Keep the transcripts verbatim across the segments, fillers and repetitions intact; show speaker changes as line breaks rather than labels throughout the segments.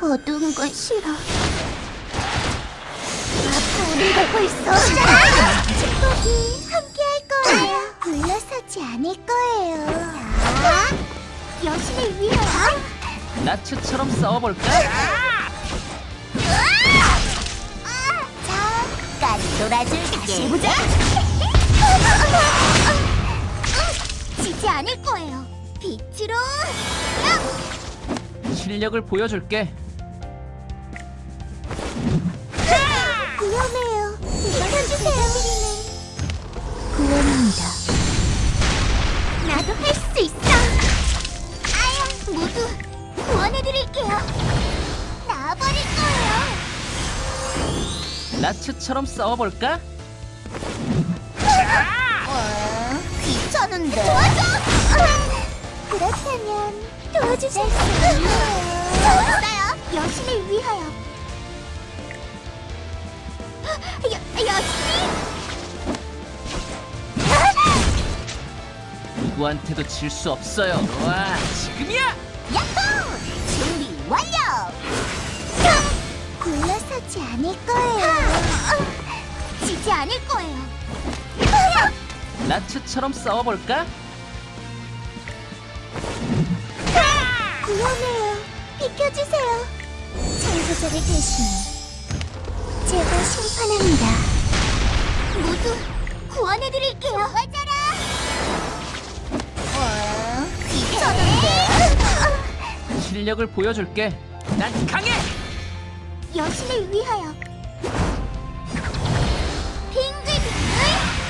어두운 건 싫어. 우리가 벌써 축복이 함께할 거예요. 물러서지 않을 거예요. 자, 여신을 위하여.
나츠처럼 싸워볼까?
잠깐 놀아줄게. 다시 해보자. 지지 않을 거예요. 빛으로.
실력을 보여줄게.
위험해요. 이겨주세요. 구원입니다. 나도 할 수 있어. 아야, 모두 구원해드릴게요. 나와버릴 거예요.
나츠처럼 싸워볼까?
어, 귀찮은데. 도와줘. 그렇다면 도와주실 수 있어요. 좋았어요. 여신을 위하여. 여, 여신이.
누구한테도 질 수 없어요. 와, 지금이야!
야호! 준비 완료! 굴러서지 않을 거예요. 지지 않을 거예요.
나츠처럼 싸워볼까?
위험해요. 비켜주세요. 창조자를 대신 제가 심판합니다. 모두 구원해드릴게요. 맞아라. 어, 귀찮은데.
실력을 보여줄게. 난 강해!
여신을 위하여. 빙글빙글.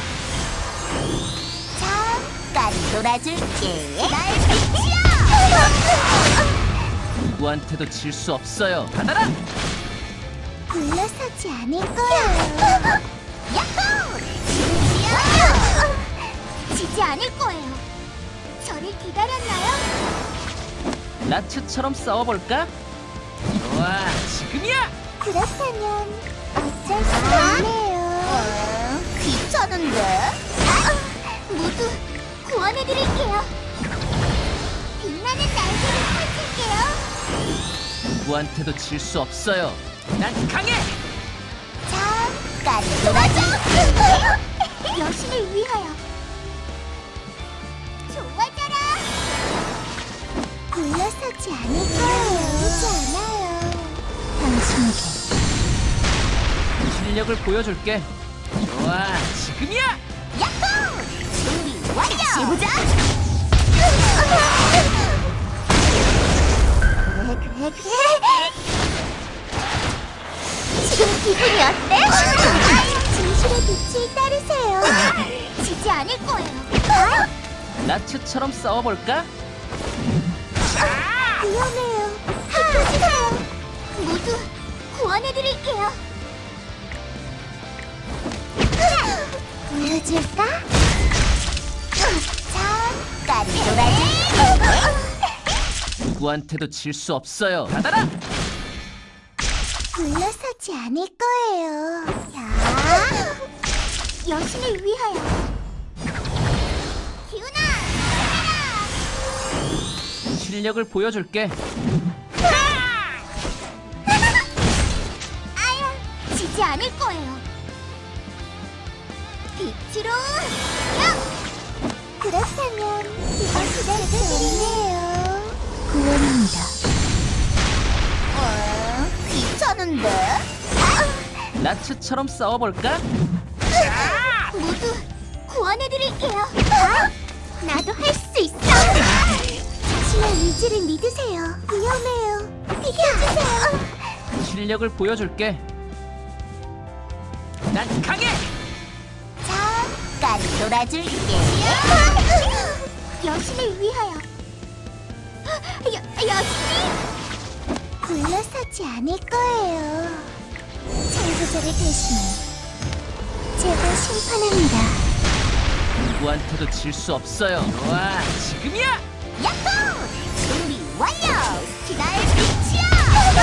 잠깐 놀아줄게. 날 비치야.
누구한테도 질 수 없어요. 받아라!
물러서지 않을 거예요. 야호! 지지요! 지지 않을 거예요. 저를 기다렸나요?
나츠처럼 싸워볼까? 좋아, 지금이야!
그렇다면 어쩔 수 없네요. 귀찮은데? 모두 구원해드릴게요. 빛나는 날개를 펼칠게요.
누구한테도 질 수 없어요. 난 강해!
잠깐 놀아줘! 여신을 위하여. 좋아져라! 물러서지 않을 거예요. 그렇지 않아요. 당신에게.
실력을 보여줄게. 좋아, 지금이야!
야호! 준비 완료! 다시 해보자! 그래 그래 그래. 지금 기분이 어때? 진실의 빛을 따르세요. 지지 않을 거예요.
나츠처럼 싸워볼까?
위험해요. 비켜주세요. 모두 구원해드릴게요. 보여줄까? 잠깐 놀아줄게.
누구한테도 질 수 없어요. 받아라!
물러서지 않을 거예요. 자, 여신을 위하여. 기훈아,
실력을 보여줄게.
아야, 지지 않을 거예요. 빛으로. 그렇다면 이것이 기다려드리네요. 구원입니다. 어, 귀찮은데?
나츠처럼 싸워볼까?
모두 구원해드릴게요. 나도 할 수 있어. 자신의 의지를 믿으세요. 위험해요. 비켜주세요.
실력을 보여줄게. 난 강해!
잠깐 놀아줄게. 여신을 위하여. 여, 여신이. 굴러서지 않을 거예요. 창조자를 대신해 제가 심판합니다.
누구한테도 질 수 없어요. 와, 지금이야!
야호! 준비 완료! 날 빛이야!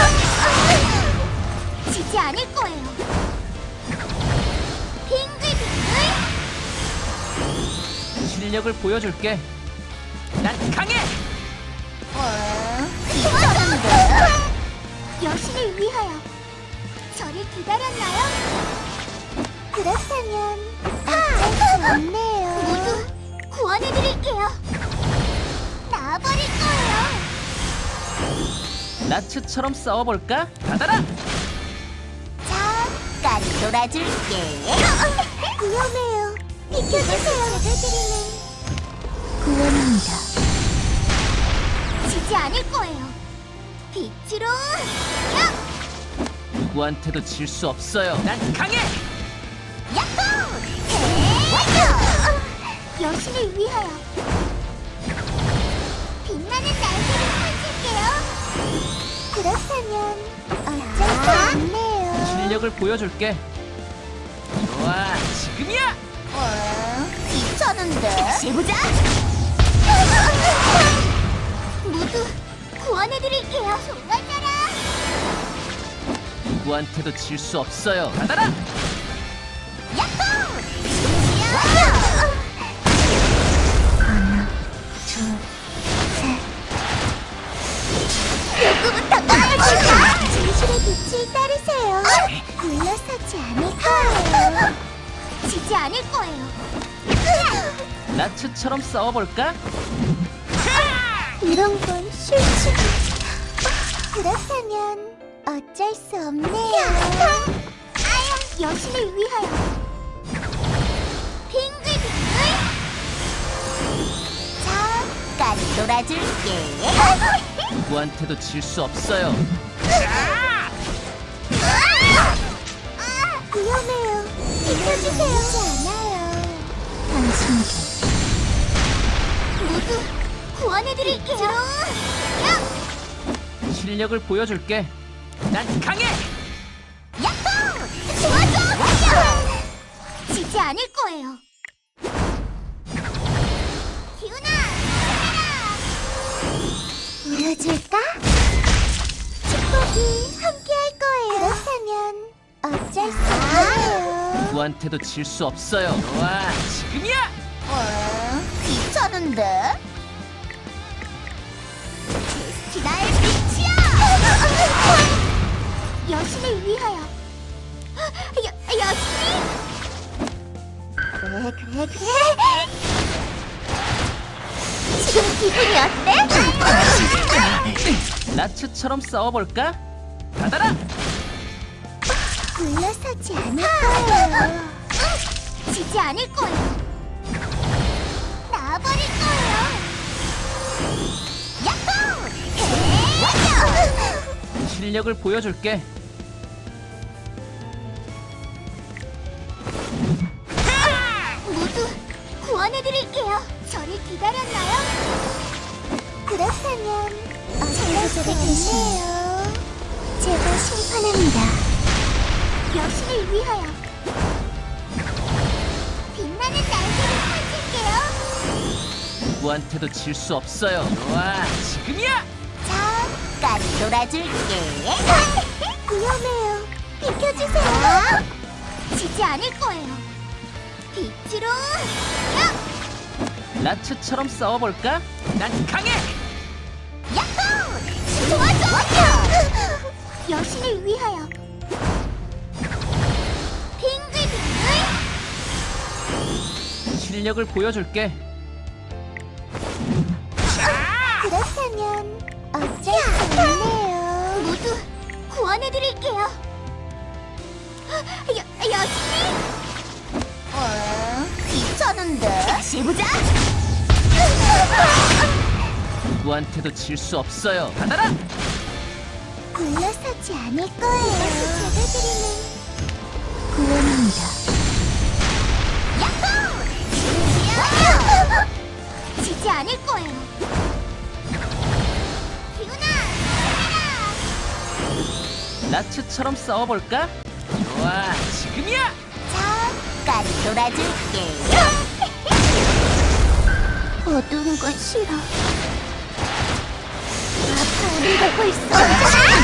지지 않을 거예요. 빙글빙글.
실력을 보여줄게. 난 강해!
어, 귀찮은데? 여신을 위하여 저를 기다렸나요? 그렇다면 어쩔 수 없네요. 모두 구원해드릴게요. 나와버릴 거예요.
나츠처럼 싸워볼까? 받아라!
잠깐 놀아줄게. 위험해요. 비켜주세요. 제가 드리는 구원입니다. 지지 않을 거예요. 빛으로 야!
누구한테도 질 수 없어요. 난 강해!
야호! 완료! 여신을 위하여 빛나는 날개를 펼칠게요. 그렇다면 어쩔 수 없네요.
실력을 보여줄게. 좋아, 지금이야!
어, 귀찮은데? 다시 해보자! 모두 구원해드릴게요. 정말잖아!
누구한테도 질 수 없어요. 받아라!
야호! 완료! 하나, 둘, 셋. 누구부터 꺼내줄까? 진실의 빛을 따르세요. 물러서지 않을 거예요. 지지 않을 거예요.
나츠처럼 싸워볼까?
이런 건 싫지. 그렇다면 어쩔 수 없네요. 아야, 여신을 위하여 빙글빙글. 잠깐 놀아줄게.
누구한테도 질 수 없어요.
아, 위험해요. 비켜주세요. 하지 않아요. 당신에게 모두 구원해드릴게요. 야!
실력을 보여줄게. 난 강해!
야호! 도와줘! 완료! 지지 않을 거예요. 기훈아, 힘내라! 보여줄까? 축복이 함께할 거예요. 그렇다면 어쩔 수 없어요.
누구한테도 질 수 없어요. 좋아, 지금이야!
어, 귀찮은데? 데스티나의 빛이야! 여신을 위하여 여, 여신이? 그래 그래 그래. 지금 기분이 어때?
나츠처럼 싸워볼까? 받아라!
물러서지 않을 거예요. 지지 않을 거예요. 나와버릴 거예요. 야호! 완료!
실력을 보여줄게.
모두 구원해드릴게요. 저를 기다렸나요? 그렇다면 어쩔 수 없네요. 제가 심판합니다. 여신을 위하여 빛나는 날개를 펼칠게요.
누구한테도 질 수 없어요. 좋아, 지금이야!
잠깐 놀아줄게. 위험해요. 비켜주세요. 지지 않을 거예요. 빛으로 야!
나츠처럼 싸워볼까? 난 강해!
야호! 도와줘! 여신을 위하여 빙글빙글.
실력을 보여줄게.
그렇다면 어쩔 수 없네요. 모두 구원해드릴게요. 여, 여신이? 어, 귀찮은데? 다시 해보자!
누구한테도 질 수 없어요. 받아라!
물러서지 않을 거예요. 제가 드리는 구원입니다. 야호! 완료! 지지 않을 거예요. 기훈아, 힘내라!
나츠처럼 싸워볼까? 좋아, 지금이야!
잠깐 놀아줄게. 어두운 건 싫어. 아파오는 거 벌써.